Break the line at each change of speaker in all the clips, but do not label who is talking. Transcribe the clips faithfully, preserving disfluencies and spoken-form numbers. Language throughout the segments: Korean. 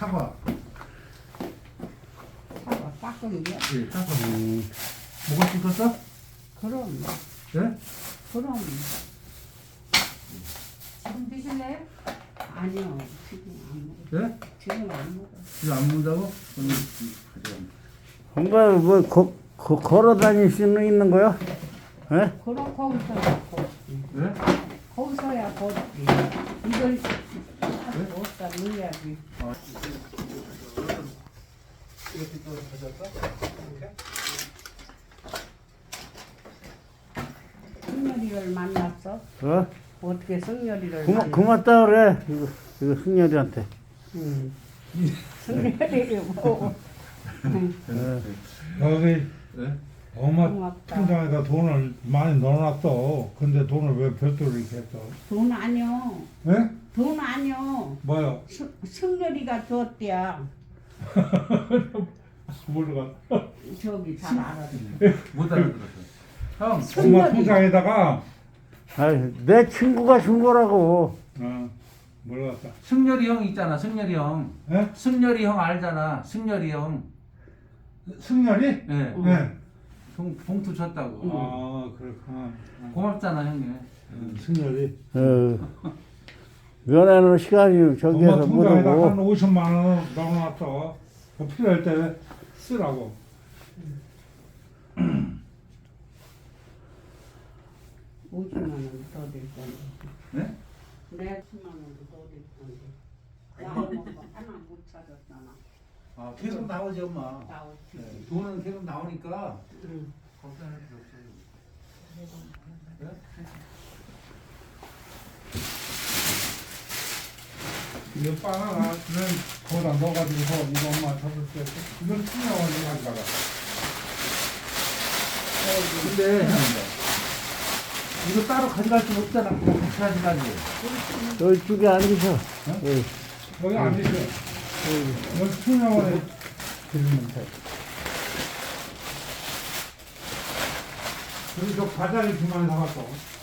사과.
사과 깎은 게?
예, 사과. 음. 뭐가 씹었어?
그럼.
예?
그럼.
지금 드실래요?
아니요. 지금 안 먹어.
예?
지금 안 먹어.
이거 안 먹는다고? 오늘 가져가.
엄마 뭐 거, 거, 걸어 다닐 수는 있는 거야? 예?
그럼 거기서야 걷지.
예?
거기서야 걷지. 이걸 어디다 넣어야지.
아, 이렇게 또 가져갈까? 이렇게?
승열이를 만났어?
어?
어떻게 승열이를
그만,
만났어?
그만다 그래. 이거, 이거 승열이한테.
응. 승열이를 뭐. 응.
어.
여기
예?
엄마
고맙다.
통장에다 돈을 많이 넣어놨어. 근데 돈을 왜 별도로 이렇게 했어?
돈 아니요.
예?
돈 아니요.
뭐요?
승- 승열이가 줬대야.
모르가.
저기 잘 알아.
못 알아들었어. 형,
엄마
승열이.
통장에다가
아이, 내 친구가 준 거라고.
어 몰랐다.
승열이 형 있잖아, 승열이 형.
예?
승열이 형 알잖아, 승열이 형.
승열이?
예.
응.
네.
봉, 봉투 쳤다고.
아 그렇구나.
고맙잖아, 형님.
음, 승열이.
어. 면회는 시간이
엄마
저기에서 못
통장에다가 한
오고.
오십만 원 넣어놨어. 그 필요할 때 쓰라고.
오십만 원 더 될 건데.
네?
내 십만 원도 더 될 건데. 나오는 거 하나 못 찾았잖아.
아, 계속 나오지, 엄마.
나오지.
네, 돈은 계속 나오니까
응.
걱정할 필요 없어요. 네?
이거 바나나는 거기다 넣어가지고서 이거 엄마 잡을 때 이건 투명하게 가져가라.
근데 이거 따로 가져갈 수 없잖아. 그거 같이 가져가지.
이쪽에 앉으셔. 어.
여기 앉으세요. 여기 투명하게 드리면 돼. 그리고 저 과자를 주만 사왔어.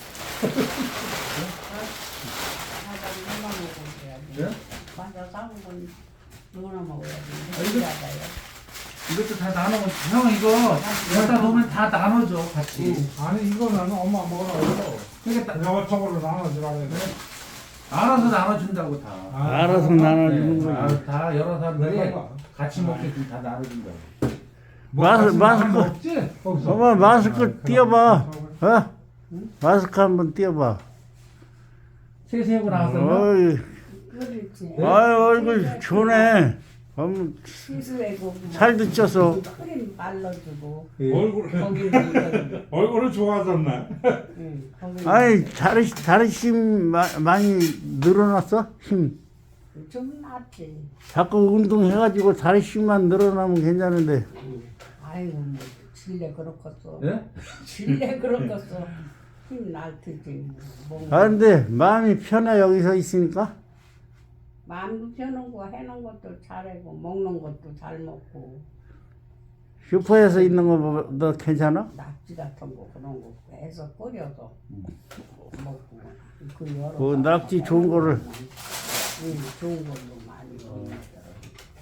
과자 누나 먹어야지.
네?
과자 사온 건 누나 먹어야지.
아, 이거-
과자요.
이것도 다 나눠. 형 이거 갖다 놓으면 다 나눠줘 같이.
아니 이거는 엄마 먹으라고.
그러니까 다-
여쪽으로 나눠주라 그래.
알아서 나눠준다고 다.
알아서 나눠주는
네,
거지.
아, 다 여러 사람들이
내가
같이 먹게끔 다 나눠준다고.
마스- 마스크.
없지? 거기서.
엄마 마스크
아,
띄워봐.
그럼.
어? 마스크 한번 띄워봐.
세세하고 나왔었나?
어이,
그렇지.
아유, 얼굴 좋네. 엄,
시스웨고
살도 쪄서.
크림 발라주고
얼굴
거기는
얼굴을 좋아졌네.
응, 거기는
아니, 다리, 다리 힘 마, 많이 늘어났어? 힘.
좀 낫지.
자꾸 운동해가지고 다리 힘만 늘어나면 괜찮은데.
아이고 뭐 질레 그렇겠어.
예?
질레 그렇겠어. 힘날 테지. 뭐.
아, 근데 마음이 편해, 여기서 있으니까.
마음도 펴는 거 해놓은 것도 잘하고 먹는 것도 잘 먹고
슈퍼에서 있는 거 너 괜찮아?
낙지 같은 거 그런 거 해서 끓여서 먹고 그 여러
그
가지
낙지 좋은 거를.
응, 좋은 걸로 많이 먹더라고.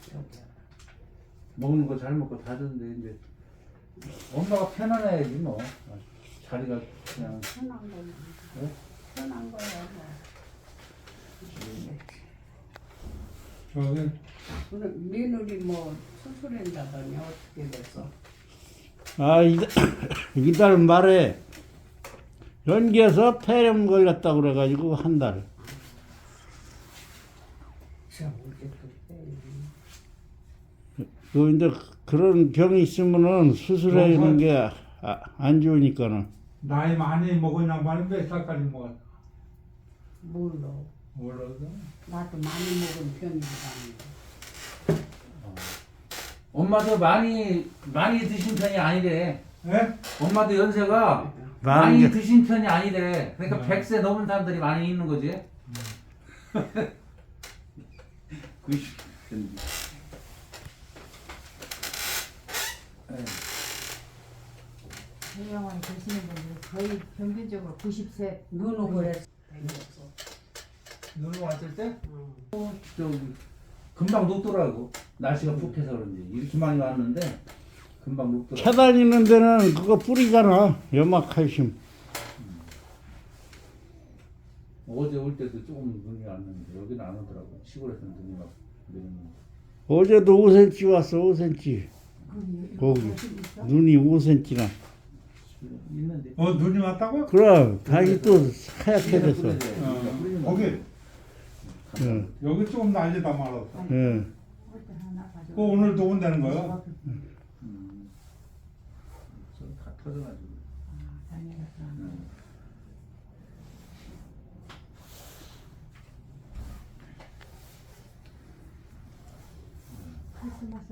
먹는 거 잘 먹고 다 줬는데 이제 엄마가 편안해야지 뭐. 자리가 그냥.
편한 거는
네?
편한 거야 뭐.
저기
그럼 며느리 뭐 수술한다더니 어떻게 됐어?
아, 이달, 이달 말에 연기에서 폐렴 걸렸다고 그래가지고 한 달.
저 어제 또
그 이제 그런 병이 있으면은 수술하는 게 안 좋으니까는.
나이 많이 먹은 양반이 몇 살까지 먹었어?
몰라.
몰라도.
나도 많이 먹은 편이지 않는데.
엄마도 많이 많이 드신 편이 아니래.
예?
엄마도 연세가
많은
많이
게-
드신 편이 아니래. 그러니까
음.
백 세 넘은 사람들이 많이 있는 거지. 구십.
유명하게 드시는 분들 거의 평균적으로 구십 세
눈을 그랬어.
눈을 왔을 때
응.
저기 금방 녹더라고. 날씨가 푹해서 그런지 이렇게 많이 왔는데 금방 녹더라고.
차 다니는 데는 그거 뿌리잖아. 염화칼슘.
어제 올 때도 조금 눈이 왔는데 여기는 안 오더라고. 시골에서는 눈이 막 내리는데.
어제도 오 센티미터 왔어. 오 센티미터.
거기
거기.
거기 있어?
눈이 오 센티미터나.
있는데.
어 눈이 왔다고?
그럼 다시 또 하얗게 됐어.
어, 거기
응.
여기 조금 날리다 말았어.
응.
어디 하나 가져와.
그 오늘도 온다는 거야?
음. 다 터져가지고.
아, 다행이다.
음.
크리스마스